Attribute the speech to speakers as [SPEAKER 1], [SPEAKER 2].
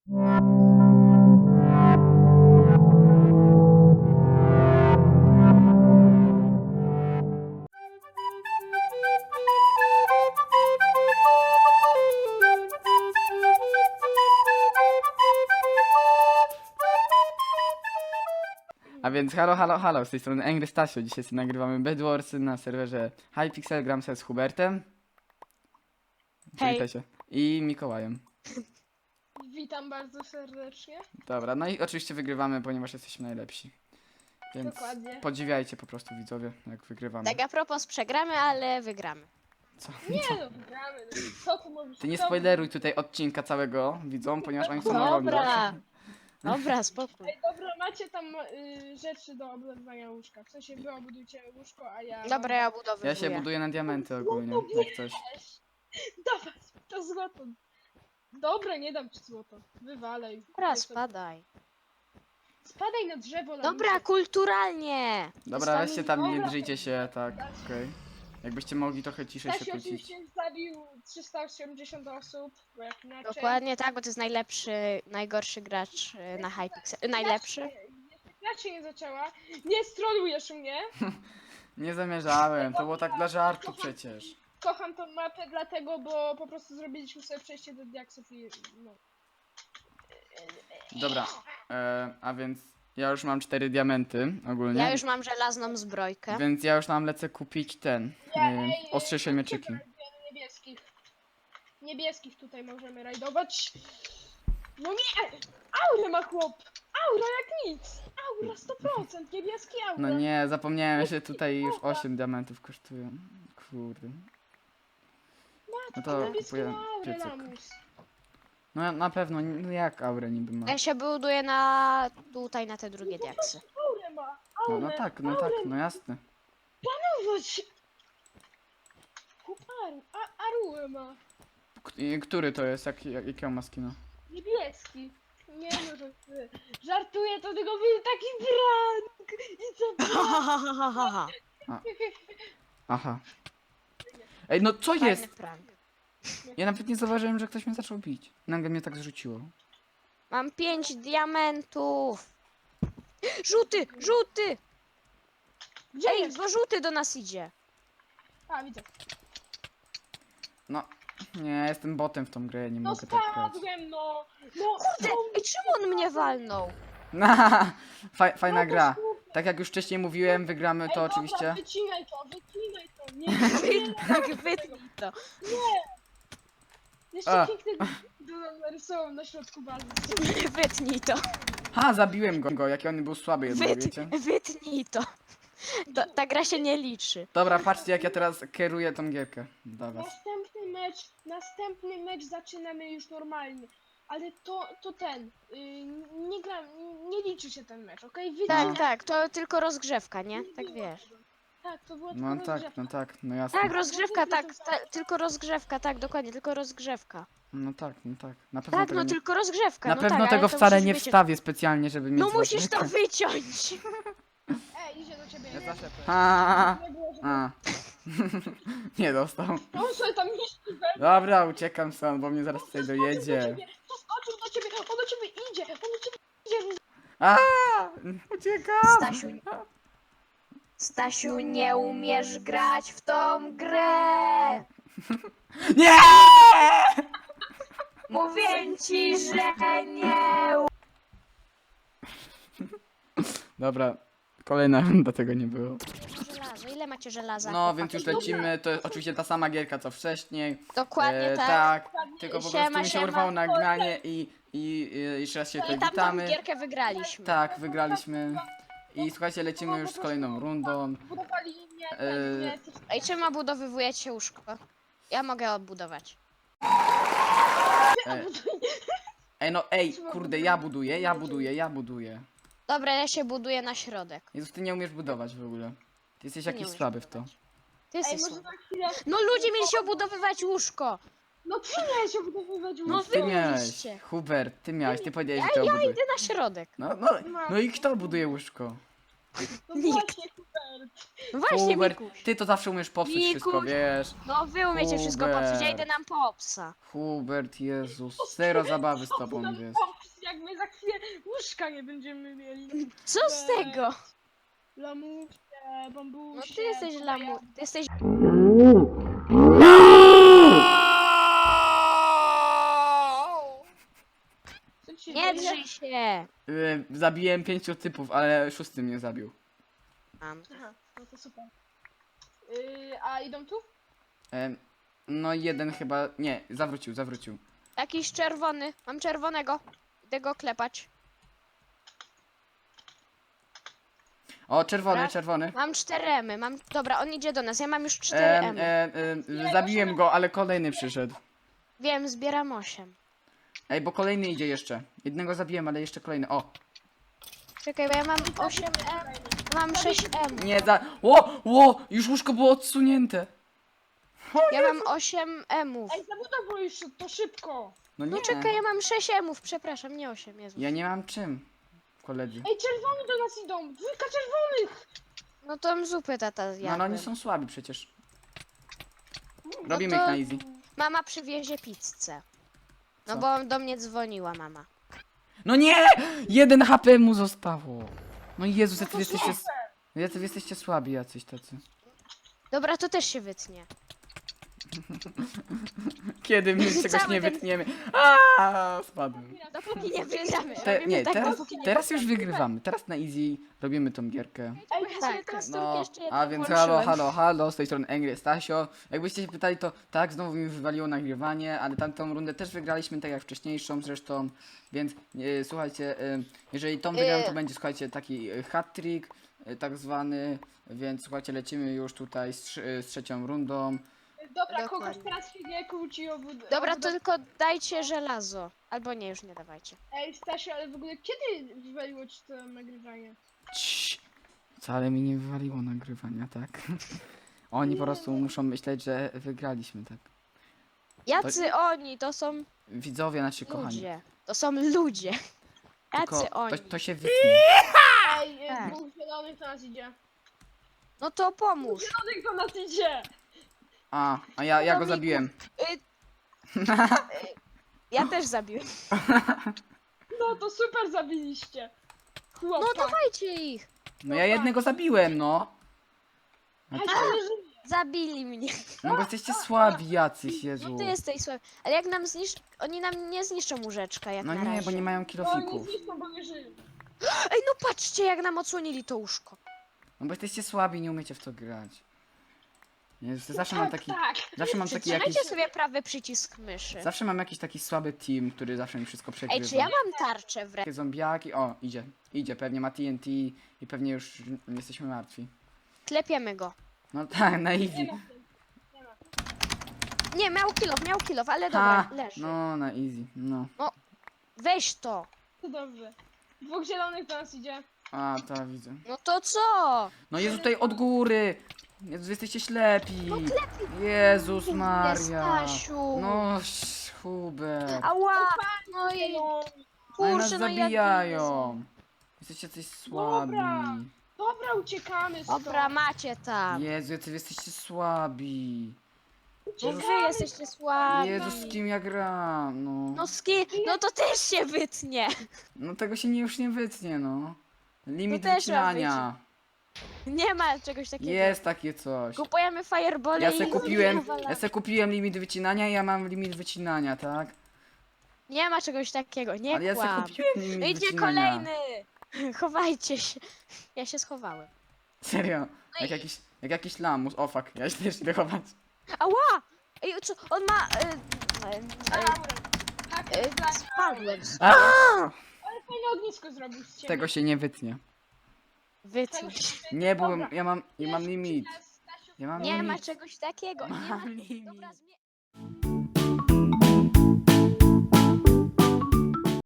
[SPEAKER 1] A więc halo, z tej strony Angry Stasio. Dzisiaj sobie nagrywamy Bedwarsy na serwerze Hypixel, gram sobie z Hubertem. Przywitaj się. I Mikołajem.
[SPEAKER 2] Witam bardzo serdecznie.
[SPEAKER 1] Dobra, no i oczywiście wygrywamy, ponieważ jesteśmy najlepsi. Więc
[SPEAKER 2] Dokładnie.
[SPEAKER 1] podziwiajcie po prostu widzowie, jak wygrywamy.
[SPEAKER 3] Tak a propos przegramy, ale wygramy.
[SPEAKER 1] Co?
[SPEAKER 2] Nie no, gramy. No. Co tu mówisz?
[SPEAKER 1] Ty nie
[SPEAKER 2] Co-
[SPEAKER 1] spoileruj tutaj odcinka całego widzom, ponieważ oni chcą oglądać.
[SPEAKER 3] Dobra. Dobra, spokój.
[SPEAKER 2] Ej, dobra, macie tam rzeczy do obudowania łóżka. W sensie wy obudujcie łóżko, a ja...
[SPEAKER 3] Dobra, ja budowuję.
[SPEAKER 1] Ja się buduję na diamenty ogólnie, jak coś.
[SPEAKER 2] Dawaj, to złoto. Dobra, nie dam ci złoto. Wywalej.
[SPEAKER 3] Dobra, spadaj.
[SPEAKER 2] Spadaj na drzewo.
[SPEAKER 3] Dobra,
[SPEAKER 2] lamusie.
[SPEAKER 3] kulturalnie.
[SPEAKER 1] Dobra, weźcie tam, nie
[SPEAKER 2] Dobra.
[SPEAKER 1] drzyjcie się, tak, okej. Jakbyście mogli trochę ciszej się
[SPEAKER 2] Stasiu
[SPEAKER 1] kłócić.
[SPEAKER 2] oczywiście zabił 380 osób, bo jak inaczej...
[SPEAKER 3] Dokładnie tak, bo to jest najgorszy gracz na Hypixel. Najlepszy.
[SPEAKER 2] Jak się nie zaczęła? Nie strolujesz mnie.
[SPEAKER 1] Nie zamierzałem, to było tak dla żartu przecież.
[SPEAKER 2] Kocham tą mapę dlatego, bo po prostu zrobiliśmy sobie przejście do diaksów i no.
[SPEAKER 1] Dobra, a więc ja już mam 4 diamenty ogólnie.
[SPEAKER 3] Ja już mam żelazną zbrojkę.
[SPEAKER 1] Więc ja już nam lecę kupić ten, ostrzejsze mieczyki.
[SPEAKER 2] Niebieskich. Niebieskich tutaj możemy rajdować. No nie! Aurę ma chłop! Aura jak nic! Aura 100%! Niebieski aura!
[SPEAKER 1] No nie, zapomniałem, że tutaj już 8 diamentów kosztują. Kurde. No to
[SPEAKER 2] Niebieski
[SPEAKER 1] kupuję
[SPEAKER 2] ma aurę,
[SPEAKER 1] piecyk.
[SPEAKER 2] lamus.
[SPEAKER 1] No na pewno, no jak aurę niby ma?
[SPEAKER 3] Ja się buduję na tutaj na te drugie diaksy.
[SPEAKER 2] Aurę ma!
[SPEAKER 1] No,
[SPEAKER 2] Aurę!
[SPEAKER 1] no tak, no jasne.
[SPEAKER 2] Panować! Chłop Aruę ma!
[SPEAKER 1] Który to jest? Jakiego ma skina?
[SPEAKER 2] Niebieski. Nie no, że ty. Żartuję, to tylko był taki prank! I co?
[SPEAKER 1] Aha. Ej, no co jest?
[SPEAKER 3] Fajny prank.
[SPEAKER 1] Ja nawet nie zauważyłem, że ktoś mnie zaczął bić. Nagle mnie tak zrzuciło.
[SPEAKER 3] Mam 5 diamentów. Żółty, żółty!
[SPEAKER 2] Gdzie
[SPEAKER 3] Ej,
[SPEAKER 2] jest?
[SPEAKER 3] bo żółty do nas idzie.
[SPEAKER 2] A, widzę.
[SPEAKER 1] No, nie, jestem botem w tą grę, nie
[SPEAKER 2] No
[SPEAKER 1] mogę tak grać.
[SPEAKER 2] spadłem, no! No,
[SPEAKER 3] Ty, ej, czemu on mnie walnął?
[SPEAKER 1] Fajna gra. Tak jak już wcześniej mówiłem, wygramy to
[SPEAKER 2] Ej, dobra,
[SPEAKER 1] oczywiście.
[SPEAKER 2] wycinaj to, wycinaj to! Nie,
[SPEAKER 3] Tak, wytnij to.
[SPEAKER 2] jeszcze
[SPEAKER 1] A.
[SPEAKER 2] piękny narysował na środku bazy.
[SPEAKER 3] Wytnij to.
[SPEAKER 1] Ha, zabiłem go, jaki on był słaby jednak, wiecie?
[SPEAKER 3] Wytnij to. Ta gra się nie liczy.
[SPEAKER 1] Dobra, patrzcie jak ja teraz kieruję tą gierkę dla was.
[SPEAKER 2] Następny mecz zaczynamy już normalnie. Ale to ten, nie gra, nie liczy się ten mecz, okej?
[SPEAKER 3] Tak, tak, to tylko rozgrzewka, nie? Tak wiesz.
[SPEAKER 2] Tak, to było
[SPEAKER 1] No
[SPEAKER 2] tylko
[SPEAKER 1] tak,
[SPEAKER 2] rozgrzewka.
[SPEAKER 1] no tak, no jasne.
[SPEAKER 3] Tak, rozgrzewka, tak, tylko rozgrzewka, tak, dokładnie, tylko rozgrzewka.
[SPEAKER 1] No tak. Na pewno
[SPEAKER 3] Tak,
[SPEAKER 1] tego
[SPEAKER 3] no
[SPEAKER 1] nie...
[SPEAKER 3] tylko rozgrzewka.
[SPEAKER 1] Na
[SPEAKER 3] no
[SPEAKER 1] pewno
[SPEAKER 3] tak,
[SPEAKER 1] tego
[SPEAKER 3] ale to
[SPEAKER 1] wcale
[SPEAKER 3] musisz
[SPEAKER 1] nie
[SPEAKER 3] wyciąć.
[SPEAKER 1] wstawię specjalnie, żeby mieć
[SPEAKER 3] No musisz to
[SPEAKER 1] zobaczyć.
[SPEAKER 3] wyciąć.
[SPEAKER 2] Idzie do ciebie.
[SPEAKER 1] Ja
[SPEAKER 2] Nie,
[SPEAKER 1] zawsze... A,
[SPEAKER 2] nie było, żeby...
[SPEAKER 1] a. Nie dostał.
[SPEAKER 2] On sobie tam niszczy we
[SPEAKER 1] Dobra, uciekam stąd, bo mnie zaraz tutaj
[SPEAKER 2] do
[SPEAKER 1] dojedzie.
[SPEAKER 2] ciebie. Skoczył do ciebie, on do ciebie idzie, on do ciebie idzie.
[SPEAKER 1] A, uciekam!
[SPEAKER 3] Stasiu, nie umiesz grać w tą grę.
[SPEAKER 1] Nie!
[SPEAKER 3] Mówię ci, że nie.
[SPEAKER 1] Dobra, kolejna runda tego nie było.
[SPEAKER 3] Żelazo, ile macie żelaza?
[SPEAKER 1] No, więc
[SPEAKER 3] chłopaki?
[SPEAKER 1] już lecimy, to jest oczywiście ta sama gierka co wcześniej.
[SPEAKER 3] Dokładnie tak.
[SPEAKER 1] Tak, tylko po
[SPEAKER 3] Siema,
[SPEAKER 1] prostu mi się
[SPEAKER 3] siema.
[SPEAKER 1] urwało nagranie i jeszcze raz się tutaj
[SPEAKER 3] I tamtą
[SPEAKER 1] witamy.
[SPEAKER 3] gierkę wygraliśmy.
[SPEAKER 1] Tak, wygraliśmy. I słuchajcie, lecimy już z kolejną rundą.
[SPEAKER 2] Budowali mnie,
[SPEAKER 1] Eee,
[SPEAKER 3] Ej, czemu obudowywujecie łóżko? Ja mogę odbudować.
[SPEAKER 1] Ej, no ej, kurde, ja buduję.
[SPEAKER 3] Dobra, ja się buduję na środek.
[SPEAKER 1] Jezus, ty nie umiesz budować w ogóle. Ty jesteś
[SPEAKER 3] Ty nie
[SPEAKER 1] jakiś
[SPEAKER 3] umiesz
[SPEAKER 1] słaby w to.
[SPEAKER 3] Ty
[SPEAKER 2] Ej,
[SPEAKER 3] jesteś
[SPEAKER 2] może
[SPEAKER 3] słaby.
[SPEAKER 2] na chwilę...
[SPEAKER 3] No ludzie mieli się obudowywać łóżko.
[SPEAKER 2] No ty miałeś obudowywać
[SPEAKER 3] No
[SPEAKER 2] łóżko.
[SPEAKER 3] wy
[SPEAKER 1] Ty miałeś,
[SPEAKER 3] mieliście.
[SPEAKER 1] Hubert, ty miałeś, ty powiedziałeś, że to
[SPEAKER 3] Ja
[SPEAKER 1] buduje.
[SPEAKER 3] idę na środek.
[SPEAKER 1] No i kto buduje łóżko?
[SPEAKER 2] No
[SPEAKER 3] Nikt.
[SPEAKER 2] właśnie, Hubert.
[SPEAKER 3] No właśnie,
[SPEAKER 1] Hubert,
[SPEAKER 3] Mikuś.
[SPEAKER 1] ty to zawsze umiesz popsuć wszystko,
[SPEAKER 3] Mikuś.
[SPEAKER 1] wiesz?
[SPEAKER 3] No wy umiecie wszystko
[SPEAKER 1] Hubert.
[SPEAKER 3] popsuć, ja idę nam po psa.
[SPEAKER 1] Hubert, Jezus, zero zabawy z tobą, wiesz.
[SPEAKER 2] Łóżka nie będziemy mieli.
[SPEAKER 3] Co z tego?
[SPEAKER 2] Lamusie, bambusie.
[SPEAKER 3] No ty jesteś
[SPEAKER 2] tutaj
[SPEAKER 3] lamu... Ty jesteś...
[SPEAKER 2] Co ci się
[SPEAKER 3] Nie
[SPEAKER 2] dzieje?
[SPEAKER 3] drzyj się!
[SPEAKER 1] Zabiłem 5 typów, ale 6 mnie zabił.
[SPEAKER 3] Mam.
[SPEAKER 2] Aha, no to super. A idą tu?
[SPEAKER 1] No jeden chyba... Nie, zawrócił.
[SPEAKER 3] Jakiś czerwony. Mam czerwonego. Idę go klepać.
[SPEAKER 1] O, czerwony,
[SPEAKER 3] Dobra.
[SPEAKER 1] czerwony.
[SPEAKER 3] Mam 4 emy. Mam... Dobra, on idzie do nas. Ja mam już 4
[SPEAKER 1] Em,
[SPEAKER 3] emy.
[SPEAKER 1] zabiłem go, ale kolejny przyszedł.
[SPEAKER 3] Wiem, zbieram 8.
[SPEAKER 1] Ej, bo kolejny idzie jeszcze. Jednego zabiłem, ale jeszcze kolejny. O!
[SPEAKER 3] Czekaj, bo ja mam 8 em. Mam 6 em.
[SPEAKER 1] Nie, Ło! Już łóżko było odsunięte.
[SPEAKER 3] Ja mam 8 emów.
[SPEAKER 2] Ej, zabudowo już to szybko.
[SPEAKER 1] No
[SPEAKER 3] No
[SPEAKER 1] nie.
[SPEAKER 3] czekaj, ja mam 6 emów. Przepraszam, nie 8. Jezus.
[SPEAKER 1] Ja nie mam czym, koledzy.
[SPEAKER 2] Ej, czerwoni do nas idą. Dwójka czerwonych.
[SPEAKER 3] No to zupy tata
[SPEAKER 1] No
[SPEAKER 3] zjadłem.
[SPEAKER 1] ale oni są słabi przecież. Robimy
[SPEAKER 3] to-
[SPEAKER 1] ich na easy.
[SPEAKER 3] Mama przywiezie pizzę. No
[SPEAKER 1] Co?
[SPEAKER 3] bo do mnie dzwoniła mama.
[SPEAKER 1] No nie! 1 HP mu zostało. No Jezus,
[SPEAKER 2] No
[SPEAKER 1] jacy
[SPEAKER 2] to
[SPEAKER 1] wy jesteście...
[SPEAKER 2] super.
[SPEAKER 1] Jacy wy jesteście słabi jacyś tacy.
[SPEAKER 3] Dobra, to też się wytnie.
[SPEAKER 1] Kiedy my czegoś
[SPEAKER 3] Cały
[SPEAKER 1] nie
[SPEAKER 3] ten-
[SPEAKER 1] wytniemy. Aaa, spadłem.
[SPEAKER 3] Dopóki nie wygramy.
[SPEAKER 1] Nie,
[SPEAKER 3] tak,
[SPEAKER 1] teraz,
[SPEAKER 3] dopóki nie
[SPEAKER 1] teraz już wygrywamy. Teraz na easy robimy tą gierkę.
[SPEAKER 3] Ej, ja sobie
[SPEAKER 2] tak.
[SPEAKER 3] teraz
[SPEAKER 1] No,
[SPEAKER 3] jeszcze jedną
[SPEAKER 1] a więc
[SPEAKER 3] włączyłem.
[SPEAKER 1] halo, z tej strony Angry Stasio. Jakbyście się pytali, to tak, znowu mi wywaliło nagrywanie, ale tamtą rundę też wygraliśmy, tak jak wcześniejszą zresztą, więc słuchajcie, jeżeli tą wygram, to będzie, słuchajcie, taki hat-trick, tak zwany, więc słuchajcie, lecimy już tutaj z trzecią rundą.
[SPEAKER 2] Dobra,
[SPEAKER 3] Dokładnie.
[SPEAKER 2] kogoś teraz się nie kłóci o
[SPEAKER 3] Dobra, to tylko dajcie żelazo. Albo nie, już nie dawajcie.
[SPEAKER 2] Ej, Stasiu, ale w ogóle kiedy wywaliło ci to nagrywanie?
[SPEAKER 1] Cii, wcale mi nie wywaliło nagrywania, tak? Oni po prostu muszą myśleć, że wygraliśmy, tak?
[SPEAKER 3] Jacy oni? To są
[SPEAKER 1] Widzowie nasi kochani.
[SPEAKER 3] ludzie. To są ludzie.
[SPEAKER 1] Tylko
[SPEAKER 3] Jacy oni?
[SPEAKER 1] to się wytnie.
[SPEAKER 2] Ej,
[SPEAKER 3] Tak.
[SPEAKER 2] dwóch zielonych do nas idzie.
[SPEAKER 3] No to pomóż.
[SPEAKER 2] Zielonych do nas idzie!
[SPEAKER 1] A ja go zabiłem.
[SPEAKER 3] Ja też zabiłem.
[SPEAKER 2] No to super zabiliście.
[SPEAKER 3] No
[SPEAKER 2] Chłopak.
[SPEAKER 3] dawajcie ich.
[SPEAKER 1] No ja jednego zabiłem, no.
[SPEAKER 2] Ej, ale że
[SPEAKER 3] Zabili mnie.
[SPEAKER 1] No bo jesteście słabi jacyś, Jezu.
[SPEAKER 3] No ty jesteś słaby. Ale jak nam oni nam nie zniszczą łóżeczka jak
[SPEAKER 1] No
[SPEAKER 3] na
[SPEAKER 1] nie,
[SPEAKER 3] razie.
[SPEAKER 1] bo nie mają
[SPEAKER 2] oni
[SPEAKER 1] kilofików.
[SPEAKER 2] zniszczą, bo nie żyją.
[SPEAKER 3] Ej, no patrzcie jak nam odsłonili to łóżko.
[SPEAKER 1] No bo jesteście słabi, nie umiecie w to grać. Jezu, zawsze mam taki...
[SPEAKER 2] Tak.
[SPEAKER 1] Zawsze mam taki jakiś...
[SPEAKER 3] Trzymajcie sobie prawy przycisk myszy.
[SPEAKER 1] Zawsze mam jakiś taki słaby team, który zawsze mi wszystko
[SPEAKER 3] Ej,
[SPEAKER 1] przegrywa.
[SPEAKER 3] czy ja mam tarczę w ręce?
[SPEAKER 1] Takie zombiaki... O, idzie, pewnie ma TNT i pewnie już jesteśmy martwi.
[SPEAKER 3] Klepiemy go.
[SPEAKER 1] No tak, na easy.
[SPEAKER 2] Nie ma. Nie ma.
[SPEAKER 3] Nie, miał kilof, ale dobra,
[SPEAKER 1] Ha,
[SPEAKER 3] leży.
[SPEAKER 1] no na easy, no.
[SPEAKER 3] Weź to.
[SPEAKER 2] To dobrze. Dwóch zielonych do nas idzie.
[SPEAKER 1] A, to widzę.
[SPEAKER 3] No to co?
[SPEAKER 1] No Jezu, tutaj od góry! Jezu, wy jesteście ślepi! Jezus Maria!
[SPEAKER 3] Stasiu.
[SPEAKER 1] No, Hubert!
[SPEAKER 3] Ała! No i
[SPEAKER 1] No i nas
[SPEAKER 3] kurczę, no
[SPEAKER 1] zabijają! Jesteście coś słabi!
[SPEAKER 2] Dobra. Dobra, uciekamy stąd.
[SPEAKER 3] Dobra, macie tam.
[SPEAKER 1] Jezu, jacy wy jesteście słabi!
[SPEAKER 3] No wy jesteście słabi.
[SPEAKER 1] Jezu, z kim ja gram? No,
[SPEAKER 3] No z kim? No to też się wytnie.
[SPEAKER 1] no tego się już nie wytnie, no. Limit
[SPEAKER 3] To też ma
[SPEAKER 1] wycinania.
[SPEAKER 3] Nie ma czegoś takiego.
[SPEAKER 1] Jest takie coś.
[SPEAKER 3] Kupujemy fireball
[SPEAKER 1] Ja
[SPEAKER 3] i
[SPEAKER 1] se kupiłem limit wycinania, ja mam limit wycinania, tak?
[SPEAKER 3] Nie ma czegoś takiego, nie
[SPEAKER 1] Ale ja se
[SPEAKER 3] kłam.
[SPEAKER 1] kupiłem limit
[SPEAKER 3] No idzie
[SPEAKER 1] wycinania.
[SPEAKER 3] kolejny. Chowajcie się. Ja się schowałem.
[SPEAKER 1] Serio, jak jakiś lamus. O fuck, ja się też idę chować.
[SPEAKER 3] Ała! Ej, co? On ma...
[SPEAKER 2] Tak,
[SPEAKER 3] Spadłem.
[SPEAKER 2] ale fajne ognisko zrobił z ciebie.
[SPEAKER 1] Tego się nie wytnie.
[SPEAKER 3] Wytnij.
[SPEAKER 1] Nie, bo
[SPEAKER 2] Dobra.
[SPEAKER 1] ja mam limit.
[SPEAKER 2] Stasiu,
[SPEAKER 1] Ja mam
[SPEAKER 3] Nie ma
[SPEAKER 1] limit.
[SPEAKER 3] czegoś takiego. Nie ma...
[SPEAKER 1] Mam limit.
[SPEAKER 3] Dobra,